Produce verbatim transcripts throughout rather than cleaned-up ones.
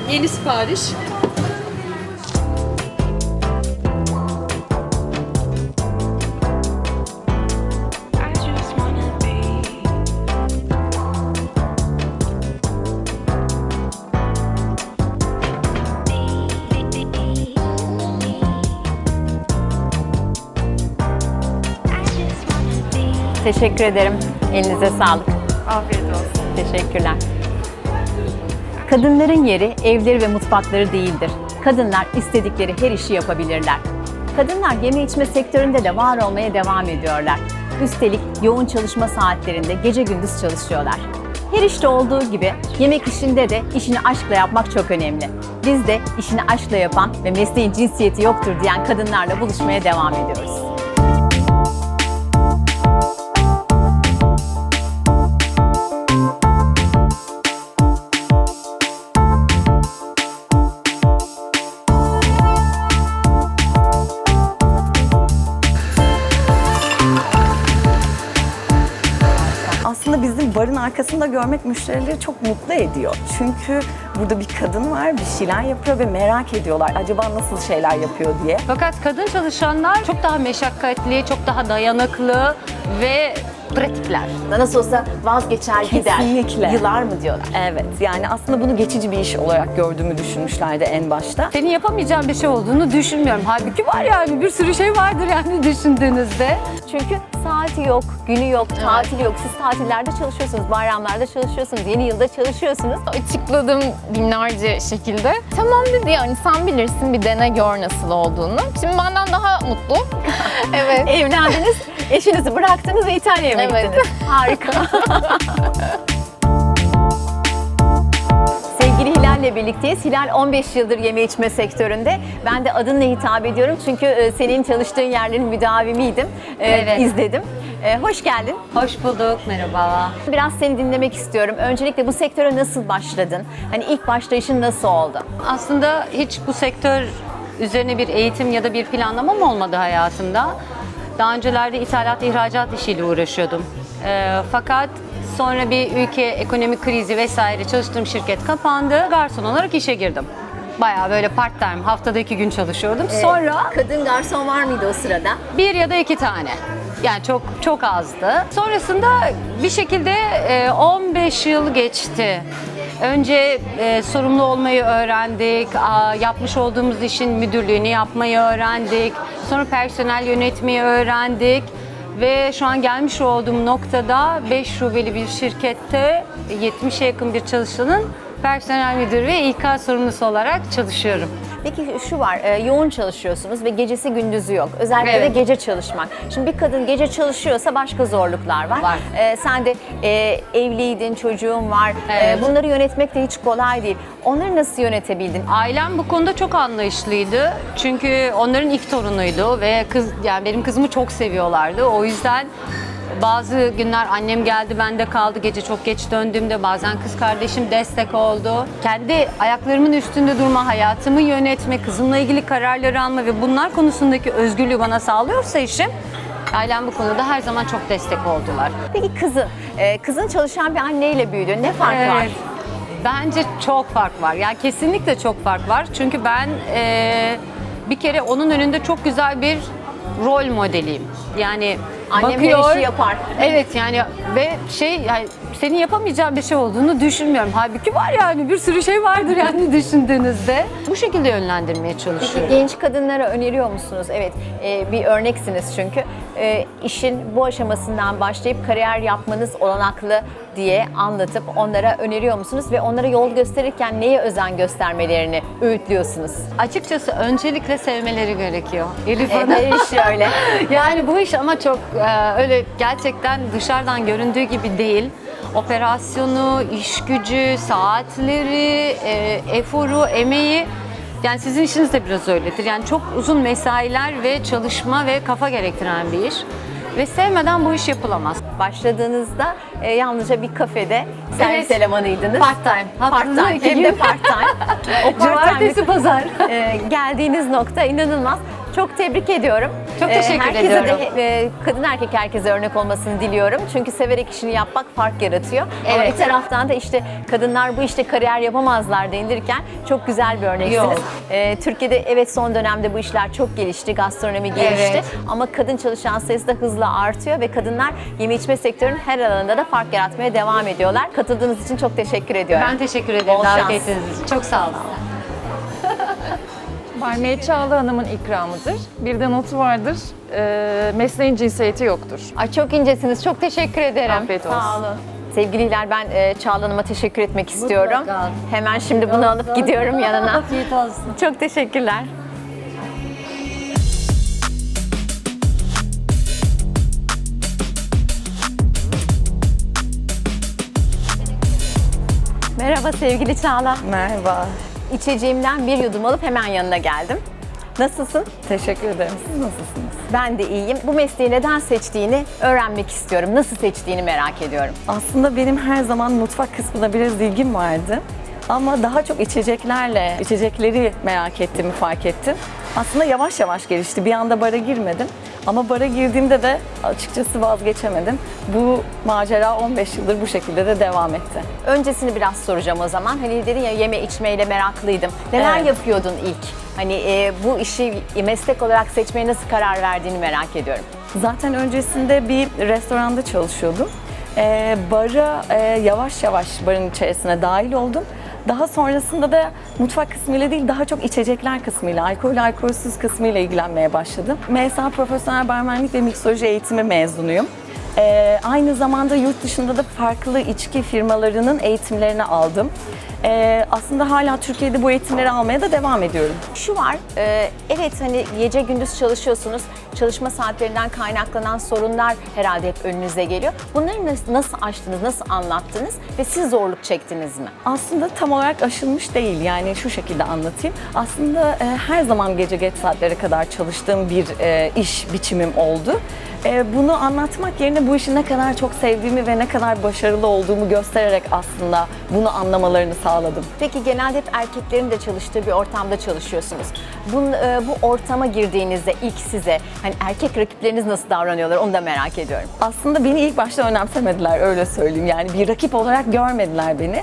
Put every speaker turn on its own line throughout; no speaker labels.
Yeni sipariş.
Teşekkür ederim. Elinize sağlık.
Afiyet olsun.
Teşekkürler. Kadınların yeri evleri ve mutfakları değildir. Kadınlar istedikleri her işi yapabilirler. Kadınlar yeme içme sektöründe de var olmaya devam ediyorlar. Üstelik yoğun çalışma saatlerinde gece gündüz çalışıyorlar. Her işte olduğu gibi yemek işinde de işini aşkla yapmak çok önemli. Biz de işini aşkla yapan ve mesleğin cinsiyeti yoktur diyen kadınlarla buluşmaya devam ediyoruz.
Aslında bizim barın arkasında görmek müşterileri çok mutlu ediyor. Çünkü burada bir kadın var, bir şeyler yapıyor ve merak ediyorlar acaba nasıl şeyler yapıyor diye.
Fakat kadın çalışanlar çok daha meşakkatli, çok daha dayanıklı ve pratikler.
Nasıl olsa vazgeçer gider.
Kesinlikle.
Yılar mı diyorlar.
Evet, yani aslında bunu geçici bir iş olarak gördüğümü düşünmüşlerdi en başta.
Senin yapamayacağın bir şey olduğunu düşünmüyorum. Halbuki var yani bir sürü şey vardır yani düşündüğünüzde.
Çünkü saati yok, günü yok, tatili yok. Siz tatillerde çalışıyorsunuz, bayramlarda çalışıyorsunuz, yeni yılda çalışıyorsunuz.
Açıkladım binlerce şekilde. Tamam dedi, yani sen bilirsin, bir dene gör nasıl olduğunu. Şimdi benden daha mutlu. Evet.
Evlendiniz, eşinizi bıraktınız ve İtalya'ya mı
Evet.
gittiniz? Harika. Sevgili Hilal'le birlikteyiz. Hilal on beş yıldır yeme içme sektöründe. Ben de adınla hitap ediyorum çünkü e, senin çalıştığın yerlerin müdavimiydim. E,
Evet.
izledim. E, hoş geldin.
Hoş bulduk, merhaba.
Biraz seni dinlemek istiyorum. Öncelikle bu sektöre nasıl başladın? Hani ilk başlayışın nasıl oldu?
Aslında hiç bu sektör üzerine bir eğitim ya da bir planlamam olmadı hayatımda. Daha öncelerde ithalat, ihracat işiyle uğraşıyordum. Ee, fakat sonra bir ülke ekonomik krizi vesaire çalıştığım şirket kapandı. Garson olarak işe girdim. Bayağı böyle part time, haftada iki gün çalışıyordum. Sonra
Kadın garson var mıydı o sırada?
bir ya da iki tane. Yani çok çok azdı. Sonrasında bir şekilde e, on beş yıl geçti. Önce e, sorumlu olmayı öğrendik, a, yapmış olduğumuz işin müdürlüğünü yapmayı öğrendik, sonra personel yönetmeyi öğrendik ve şu an gelmiş olduğum noktada beş şubeli bir şirkette yetmişe yakın bir çalışanın personel müdürü ve İK sorumlusu olarak çalışıyorum.
Peki şu var, e, yoğun çalışıyorsunuz ve gecesi gündüzü yok. Özellikle
Evet.
de gece çalışmak. Şimdi bir kadın gece çalışıyorsa başka zorluklar var.
Var.
E, sen de e, evliydin, çocuğun var.
Evet.
E, bunları yönetmek de hiç kolay değil. Onları nasıl yönetebildin?
Ailem bu konuda çok anlayışlıydı. Çünkü onların ilk torunuydu ve kız, yani benim kızımı çok seviyorlardı. O yüzden bazı günler annem geldi, bende kaldı. Gece çok geç döndüğümde bazen kız kardeşim destek oldu. Kendi ayaklarımın üstünde durma, hayatımı yönetme, kızımla ilgili kararları alma ve bunlar konusundaki özgürlüğü bana sağlıyorsa işim, ailem bu konuda her zaman çok destek oldular.
Peki kızın, e, kızın çalışan bir anneyle büyüdü. Ne fark var?
Evet. Bence çok fark var. Yani kesinlikle çok fark var. Çünkü ben e, bir kere onun önünde çok güzel bir rol modeliyim. Yani
Annem
bakıyor.
her işi yapar.
Evet yani ve şey yani senin yapamayacağın bir şey olduğunu düşünmüyorum. Halbuki var yani bir sürü şey vardır yani düşündüğünüzde. Bu şekilde yönlendirmeye çalışıyorum.
Genç kadınlara öneriyor musunuz? Evet, e, bir örneksiniz çünkü. E, işin bu aşamasından başlayıp kariyer yapmanız olanaklı diye anlatıp onlara öneriyor musunuz? Ve onlara yol gösterirken neye özen göstermelerini öğütlüyorsunuz?
Açıkçası öncelikle sevmeleri gerekiyor. Elif
E,
Hanım.
her iş öyle.
Yani bu iş ama çok e, öyle gerçekten dışarıdan göründüğü gibi değil. Operasyonu, iş gücü, saatleri, e, eforu, emeği, yani sizin işiniz de biraz öyledir. Yani çok uzun mesailer ve çalışma ve kafa gerektiren bir iş. Ve sevmeden bu iş yapılamaz.
Başladığınızda e, yalnızca bir kafede servis
Evet.
elemanıydınız.
Part time.
Part time.
iki
Hem de
gün.
part time. O part
Cumartesi,
time'lık,
pazar.
e, geldiğiniz nokta inanılmaz. Çok tebrik ediyorum.
Çok
Ee,
teşekkür
herkese
ediyorum.
de e, kadın erkek herkese örnek olmasını diliyorum. Çünkü severek işini yapmak fark yaratıyor. Ama
Evet.
bir taraftan da işte kadınlar bu işte kariyer yapamazlar denilirken çok güzel bir örneksiniz.
Yok.
Ee, Türkiye'de evet son dönemde bu işler çok gelişti, gastronomi gelişti.
Evet.
Ama kadın çalışan sayısı da hızla artıyor ve kadınlar yeme içme sektörünün her alanında da fark yaratmaya devam ediyorlar. Katıldığınız için çok teşekkür ediyorum.
Ben teşekkür ederim
Bol
davet
şans.
ettiğiniz için. Çok sağ olun.
Barmeye Çağla Hanım'ın ikramıdır. Bir de notu vardır. Ee, mesleğin cinsiyeti yoktur.
Ay çok incesiniz. Çok teşekkür ederim.
Afiyet olsun.
Sağ olun. Sevgili Hilal, ben e, Çağla Hanım'a teşekkür etmek istiyorum.
Mutlaka.
Hemen şimdi bunu alıp gidiyorum yanına.
Afiyet olsun.
Çok teşekkürler. Merhaba sevgili Çağla.
Merhaba.
İçeceğimden bir yudum alıp hemen yanına geldim. Nasılsın?
Teşekkür ederim. Siz nasılsınız?
Ben de iyiyim. Bu mesleği neden seçtiğini öğrenmek istiyorum. Nasıl seçtiğini merak ediyorum.
Aslında benim her zaman mutfak kısmına biraz ilgim vardı. Ama daha çok içeceklerle, içecekleri merak ettiğimi fark ettim. Aslında yavaş yavaş gelişti. Bir anda bara girmedim. Ama bara girdiğimde de açıkçası vazgeçemedim. Bu macera on beş yıldır bu şekilde de devam etti.
Öncesini biraz soracağım o zaman. Hani dedin ya yeme içmeyle meraklıydım. Neler
Evet.
yapıyordun ilk? Hani e, bu işi meslek olarak seçmeye nasıl karar verdiğini merak ediyorum.
Zaten öncesinde bir restoranda çalışıyordum. Ee, bara e, yavaş yavaş barın içerisine dahil oldum. Daha sonrasında da mutfak kısmıyla değil, daha çok içecekler kısmıyla, alkol alkolsüz kısmıyla ilgilenmeye başladım. M S A Profesyonel Barmenlik ve Miksoloji Eğitimi mezunuyum. Ee, aynı zamanda yurt dışında da farklı içki firmalarının eğitimlerini aldım. Ee, aslında hala Türkiye'de bu eğitimleri almaya da devam ediyorum.
Şu var, e, evet hani gece gündüz çalışıyorsunuz. Çalışma saatlerinden kaynaklanan sorunlar herhalde hep önünüze geliyor. Bunları nasıl, nasıl aştınız, nasıl anlattınız ve siz zorluk çektiniz mi?
Aslında tam olarak aşılmış değil, yani şu şekilde anlatayım. Aslında e, her zaman gece geç saatlere kadar çalıştığım bir e, iş biçimim oldu. E, bunu anlatmak yerine bu işi ne kadar çok sevdiğimi ve ne kadar başarılı olduğumu göstererek aslında bunu anlamalarını sağladım.
Peki genelde hep erkeklerin de çalıştığı bir ortamda çalışıyorsunuz. Bu, e, bu ortama girdiğinizde ilk size hani erkek rakipleriniz nasıl davranıyorlar onu da merak ediyorum.
Aslında beni ilk başta önemsemediler, öyle söyleyeyim. Yani bir rakip olarak görmediler beni.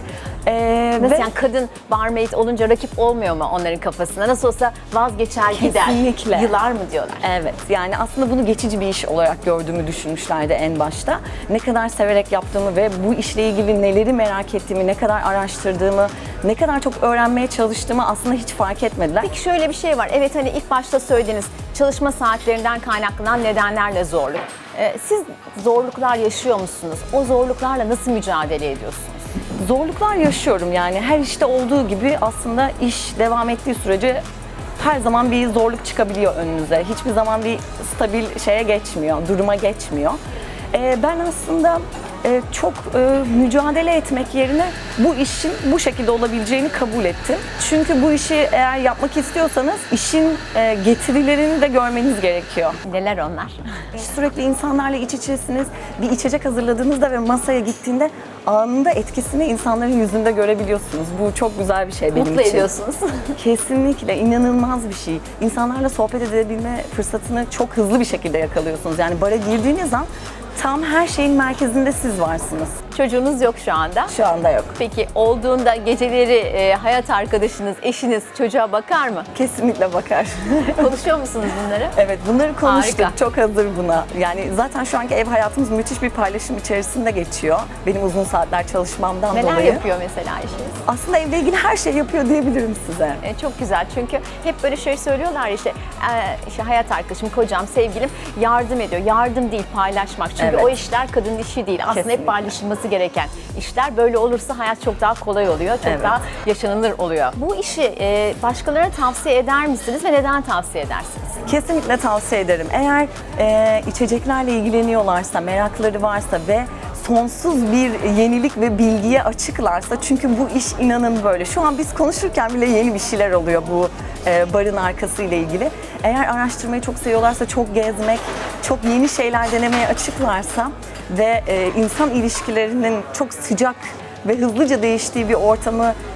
E,
Nasıl
ve-
yani kadın barmaid olunca rakip olmuyor mu onların kafasında? Nasıl olsa vazgeçer gider.
Kesinlikle.
Yılar mı diyorlar?
Evet, yani aslında bunu geçici bir iş olarak gördüğümü düşünmüşlerdi en başta. Ne kadar severek yaptığımı ve bu işle ilgili neleri merak ettiğimi, ne kadar araştırdığımı, ne kadar çok öğrenmeye çalıştığımı aslında hiç fark etmediler.
Peki şöyle bir şey var. Evet hani ilk başta söylediğiniz çalışma saatlerinden kaynaklanan nedenlerle zorluk. Ee, siz zorluklar yaşıyor musunuz? O zorluklarla nasıl mücadele ediyorsunuz?
Zorluklar yaşıyorum, yani her işte olduğu gibi aslında iş devam ettiği sürece her zaman bir zorluk çıkabiliyor önünüze. Hiçbir zaman bir stabil şeye geçmiyor, duruma geçmiyor. Ee, ben aslında e, çok e, mücadele etmek yerine bu işin bu şekilde olabileceğini kabul ettim. Çünkü bu işi eğer yapmak istiyorsanız işin e, getirilerini de görmeniz gerekiyor.
Neler onlar?
Sürekli insanlarla iç içesiniz. Bir içecek hazırladığınızda ve masaya gittiğinde anında etkisini insanların yüzünde görebiliyorsunuz. Bu çok güzel bir şey benim
Mutlu
için.
ediyorsunuz.
Kesinlikle inanılmaz bir şey. İnsanlarla sohbet edebilme fırsatını çok hızlı bir şekilde yakalıyorsunuz. Yani bara girdiğiniz an tam her şeyin merkezinde siz varsınız.
Çocuğunuz yok şu anda.
Şu anda yok.
Peki olduğunda geceleri e, hayat arkadaşınız, eşiniz çocuğa bakar mı?
Kesinlikle bakar.
Konuşuyor musunuz bunları?
Evet, bunları konuştuk.
Harika.
Çok hazır buna. Yani zaten şu anki ev hayatımız müthiş bir paylaşım içerisinde geçiyor. Benim uzun saatler çalışmamdan
Neler
dolayı.
yapıyor mesela eşiniz?
Aslında evle ilgili her şey yapıyor diyebilirim size.
E, çok güzel çünkü hep böyle şey söylüyorlar işte, e, işte hayat arkadaşım, kocam, sevgilim yardım ediyor. Yardım değil, paylaşmak. Çünkü
Evet.
o işler kadının işi değil. Aslında
Kesinlikle.
hep paylaşılması gereken işler. Böyle olursa hayat çok daha kolay oluyor, çok
Evet.
daha yaşanılır oluyor. Bu işi e, başkalarına tavsiye eder misiniz ve neden tavsiye edersiniz?
Kesinlikle tavsiye ederim. Eğer e, içeceklerle ilgileniyorlarsa, merakları varsa ve sonsuz bir yenilik ve bilgiye açıklarsa, çünkü bu iş inanın böyle. Şu an biz konuşurken bile yeni bir şeyler oluyor bu e, barın arkası ile ilgili. Eğer araştırmayı çok seviyorlarsa, çok gezmek, çok yeni şeyler denemeye açıklarsa ve e, insan ilişkilerinin çok sıcak ve hızlıca değiştiği bir ortamı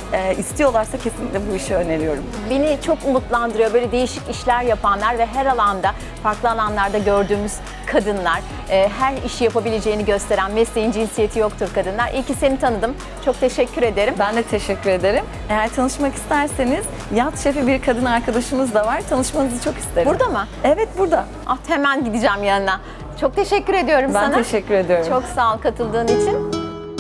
e, istiyorlarsa kesinlikle bu işi öneriyorum.
Beni çok umutlandırıyor böyle değişik işler yapanlar ve her alanda, farklı alanlarda gördüğümüz kadınlar, e, her işi yapabileceğini gösteren, mesleğin cinsiyeti yoktur kadınlar. İyi ki seni tanıdım. Çok teşekkür ederim.
Ben de teşekkür ederim. Eğer tanışmak isterseniz yat şefi bir kadın arkadaşımız da var. Tanışmanızı çok isterim.
Burada mı?
Evet, burada.
Ah, hemen gideceğim yanına. Çok teşekkür ediyorum
Ben
sana.
teşekkür ediyorum.
Çok sağ ol katıldığın için.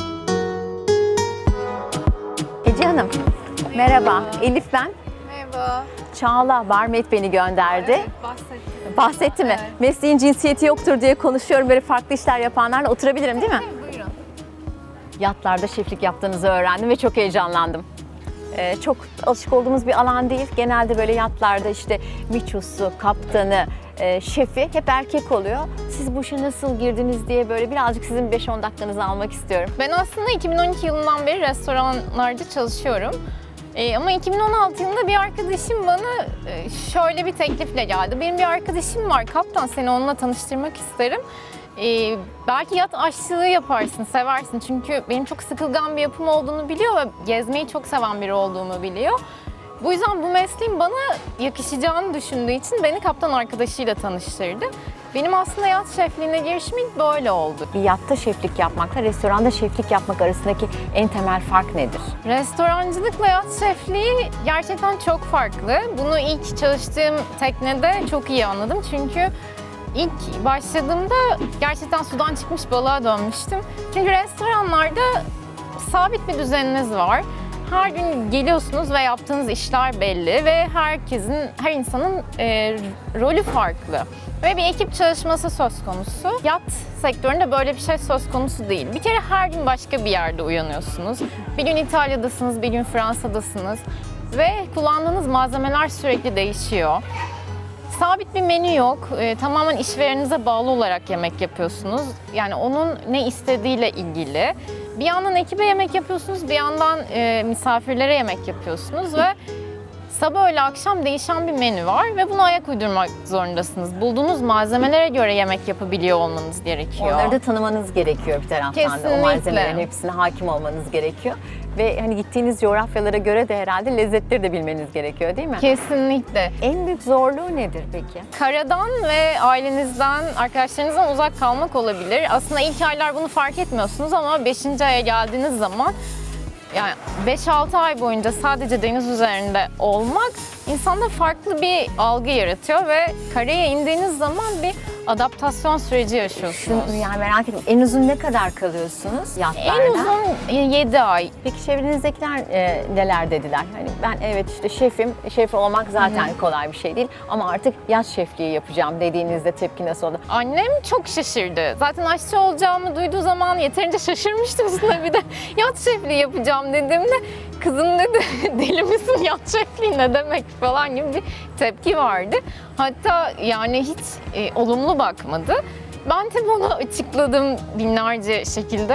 Ece Hanım, merhaba. Elif ben.
Merhaba.
Çağla Barmet beni gönderdi.
Bahsettim.
Bahsetti mi? Mesleğin cinsiyeti yoktur diye konuşuyorum. Böyle farklı işler yapanlarla oturabilirim değil mi?
Buyurun.
Yatlarda şeflik yaptığınızı öğrendim ve çok heyecanlandım. Ee, çok alışık olduğumuz bir alan değil. Genelde böyle yatlarda işte miçosu, kaptanı, e, şefi hep erkek oluyor. Siz bu işe nasıl girdiniz diye böyle birazcık sizin beş on dakikanızı almak istiyorum.
Ben aslında iki bin on iki yılından beri restoranlarda çalışıyorum. Ee, ama iki bin on altı yılında bir arkadaşım bana e, şöyle bir teklifle geldi. Benim bir arkadaşım var, kaptan, seni onunla tanıştırmak isterim. Ee, belki yat aşçılığı yaparsın, seversin. Çünkü benim çok sıkılgan bir yapım olduğunu biliyor ve gezmeyi çok seven biri olduğumu biliyor. Bu yüzden bu mesleğin bana yakışacağını düşündüğü için beni kaptan arkadaşıyla tanıştırdı. Benim aslında yat şefliğine girişim ilk böyle oldu.
Bir yatta şeflik yapmakla restoranda şeflik yapmak arasındaki en temel fark nedir?
Restorancılıkla yat şefliği gerçekten çok farklı. Bunu ilk çalıştığım teknede çok iyi anladım. Çünkü ilk başladığımda gerçekten sudan çıkmış balığa dönmüştüm. Çünkü restoranlarda sabit bir düzeniniz var. Her gün geliyorsunuz ve yaptığınız işler belli ve herkesin, her insanın e, rolü farklı. Ve bir ekip çalışması söz konusu. Yat sektöründe böyle bir şey söz konusu değil. Bir kere her gün başka bir yerde uyanıyorsunuz. Bir gün İtalya'dasınız, bir gün Fransa'dasınız ve kullandığınız malzemeler sürekli değişiyor. Sabit bir menü yok. E, tamamen işvereninize bağlı olarak yemek yapıyorsunuz. Yani onun ne istediğiyle ilgili. Bir yandan ekibe yemek yapıyorsunuz, bir yandan e, misafirlere yemek yapıyorsunuz ve sabah öğle akşam değişen bir menü var ve buna ayak uydurmak zorundasınız. Bulduğunuz malzemelere göre yemek yapabiliyor olmanız gerekiyor.
Onları da tanımanız gerekiyor bir taraftan da.
Kesinlikle.
O malzemelerin hepsine hakim olmanız gerekiyor. Ve hani gittiğiniz coğrafyalara göre de herhalde lezzetleri de bilmeniz gerekiyor değil mi?
Kesinlikle.
En büyük zorluğu nedir peki?
Karadan ve ailenizden, arkadaşlarınızdan uzak kalmak olabilir. Aslında ilk aylar bunu fark etmiyorsunuz ama beşinci aya geldiğiniz zaman yani beş altı ay boyunca sadece deniz üzerinde olmak insanda farklı bir algı yaratıyor ve karaya indiğiniz zaman bir adaptasyon süreci yaşıyorsunuz.
Şunu yani merak ettim. En uzun ne kadar kalıyorsunuz yatlarda?
En uzun yedi ay.
Peki çevrenizdekiler e, neler dediler? Hani ben evet işte şefim, şef olmak zaten Hı. kolay bir şey değil ama artık yat şefliği yapacağım dediğinizde tepki nasıl oldu?
Annem çok şaşırdı. Zaten aşçı olacağımı duyduğu zaman yeterince şaşırmıştım, üstüne bir de yat şefliği yapacağım dediğimde kızım dedi deli misin, yat şefliği ne demek falan gibi bir tepki vardı. Hatta yani hiç e, olumlu bakmadı. Ben tabii onu açıkladım binlerce şekilde.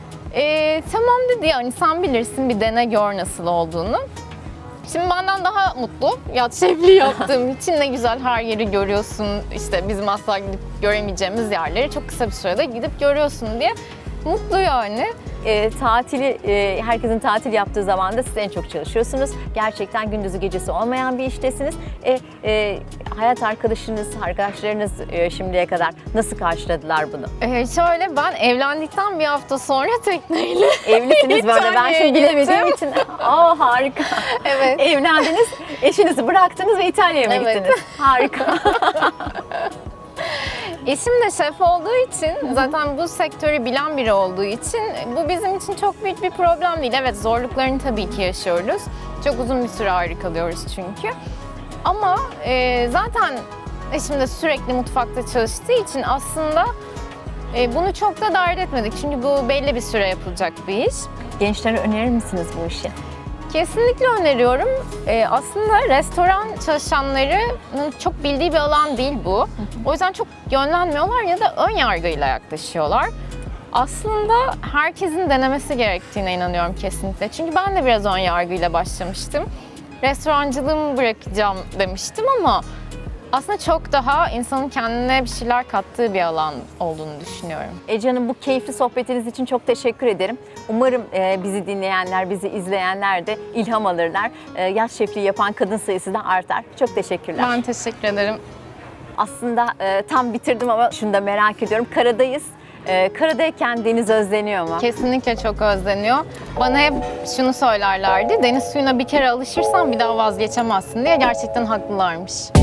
E, tamam dedi, yani sen bilirsin, bir dene gör nasıl olduğunu. Şimdi benden daha mutlu. Yat şefliği yaptığım için ne güzel, her yeri görüyorsun. İşte bizim asla gidip göremeyeceğimiz yerleri çok kısa bir sürede gidip görüyorsun diye mutlu yani.
E, tatili, e, herkesin tatil yaptığı zaman da siz en çok çalışıyorsunuz. Gerçekten gündüzü gecesi olmayan bir iştesiniz. E, e, hayat arkadaşınız, arkadaşlarınız e, şimdiye kadar nasıl karşıladılar bunu?
Ee, şöyle, ben evlendikten bir hafta sonra tekneyle
Evlisiniz böyle, ben
İtalya'ya
şimdi bilemediğim
gittim.
için. Aa harika.
Evet.
Evlendiniz, eşinizi bıraktınız ve İtalya'ya mı
Evet.
gittiniz? Harika.
Eşim de şef olduğu için, zaten bu sektörü bilen biri olduğu için bu bizim için çok büyük bir problem değil. Evet, zorluklarını tabii ki yaşıyoruz. Çok uzun bir süre ayrı kalıyoruz çünkü. Ama e, zaten eşim de sürekli mutfakta çalıştığı için aslında e, bunu çok da dert etmedik. Çünkü bu belli bir süre yapılacak bir iş.
Gençlere önerir misiniz bu işi?
Kesinlikle öneriyorum. Ee, aslında restoran çalışanlarının çok bildiği bir alan değil bu. O yüzden çok yönlenmiyorlar ya da ön yargıyla yaklaşıyorlar. Aslında herkesin denemesi gerektiğine inanıyorum kesinlikle. Çünkü ben de biraz ön yargıyla başlamıştım. Restorancılığımı bırakacağım demiştim ama Aslında çok daha insanın kendine bir şeyler kattığı bir alan olduğunu düşünüyorum.
Ece Hanım, bu keyifli sohbetiniz için çok teşekkür ederim. Umarım e, bizi dinleyenler, bizi izleyenler de ilham alırlar. E, yaz şefliği yapan kadın sayısı da artar. Çok teşekkürler.
Ben teşekkür ederim.
Aslında e, tam bitirdim ama şunu da merak ediyorum. Karadayız. E, karadayken deniz özleniyor mu?
Kesinlikle çok özleniyor. Bana hep şunu söylerlerdi, deniz suyuna bir kere alışırsan bir daha vazgeçemezsin diye. Gerçekten haklılarmış.